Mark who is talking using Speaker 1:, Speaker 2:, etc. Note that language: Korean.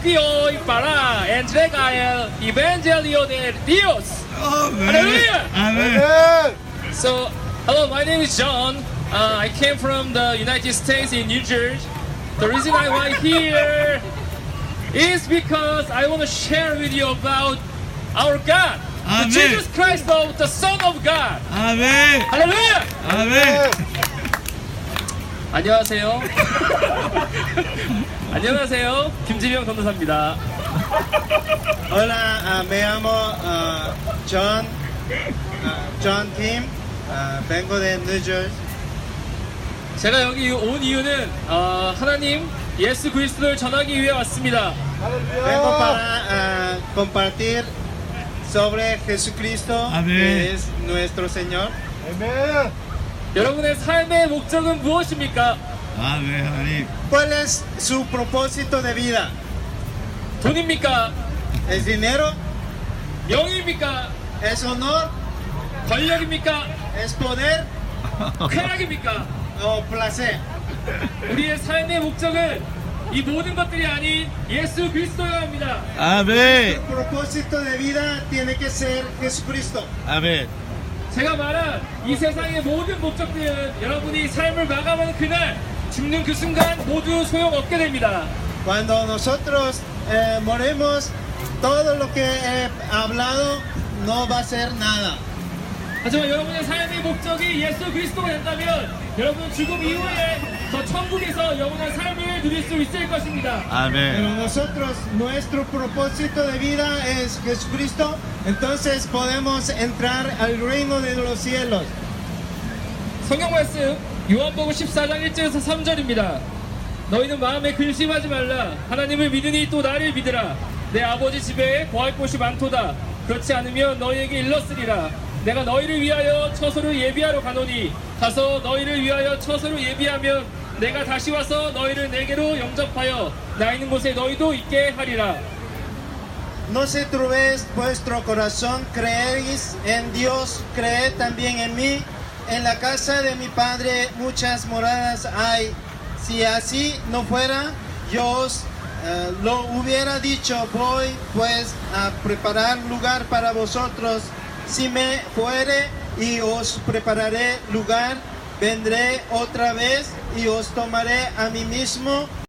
Speaker 1: confío para entregar el Evangelio de Dios. Hallelujah.
Speaker 2: Amen.
Speaker 1: So, hello, my name is John. I came from the United States in New Jersey. The reason I'm here is because I want to share with you about our God,
Speaker 2: Amen.
Speaker 1: the Jesus Christ, the Son of God.
Speaker 2: Amen.
Speaker 1: Hallelujah.
Speaker 2: Amen.
Speaker 1: 안녕하세요. 안녕하세요. 김지명 전도사입니다.
Speaker 3: Hola, me llamo John Kim. Vengo de New Jersey.
Speaker 1: 제가 여기 온 이유는 하나님 예수 그리스도를 전하기 위해 왔습니다.
Speaker 3: Vengo para compartir sobre Jesucristo,
Speaker 2: Amén.
Speaker 3: que es nuestro Señor.
Speaker 1: 여러분의 삶의 목적은 무엇입니까?
Speaker 2: 아멘 하나님.
Speaker 3: ¿Cuál es su propósito de vida?
Speaker 1: 돈입니까?
Speaker 3: ¿Es dinero?
Speaker 1: 명예입니까?
Speaker 3: ¿Es honor?
Speaker 1: 권력입니까?
Speaker 3: ¿Es poder?
Speaker 1: 쾌락입니까?
Speaker 3: ¿O placer?
Speaker 1: 우리의 삶의 목적은 이 모든 것들이 아닌 예수 그리스도여야 합니다.
Speaker 3: El
Speaker 2: 아멘.
Speaker 3: propósito de vida tiene que ser Jesucristo.
Speaker 2: 아멘.
Speaker 1: 제가 말한 이 세상의 모든 목적들은 여러분이 삶을 마감하는 그날 죽는 그 순간 모두 소용없게 됩니다.
Speaker 3: Cuando nosotros morimos, todo lo que he hablado no va a ser nada.
Speaker 1: 하지만 여러분의 삶의 목적이 예수 그리스도가 된다면 여러분은 죽음 이후에 저 천국에서 영원한 삶을 누릴 수 있을 것입니다.
Speaker 3: Pero
Speaker 2: 아멘.
Speaker 3: nosotros, nuestro propósito de vida es Jesucristo, entonces podemos entrar al reino de los cielos.
Speaker 1: 성경 말씀 요한복음 14장 1절에서 3절입니다. 너희는 마음에 근심하지 말라. 하나님을 믿으니 또 나를 믿으라. 내 아버지 집에 거할 곳이 많도다. 그렇지 않으면 너희에게 일렀으리라. 내가 너희를 위하여 처소를 예비하러 가노니 가서 너희를 위하여 처소를 예비하면 내가 다시 와서 너희를 내게로 영접하여 나 있는 곳에 너희도 있게 하리라.
Speaker 3: No se turbéis vuestro corazón, creéis en Dios, creed también en mí. En la casa de mi Padre muchas moradas hay. Si así no fuera, yo os lo hubiera dicho. Voy pues a preparar lugar para vosotros. Si me fuere y os prepararé lugar, vendré otra vez y os tomaré a mí mismo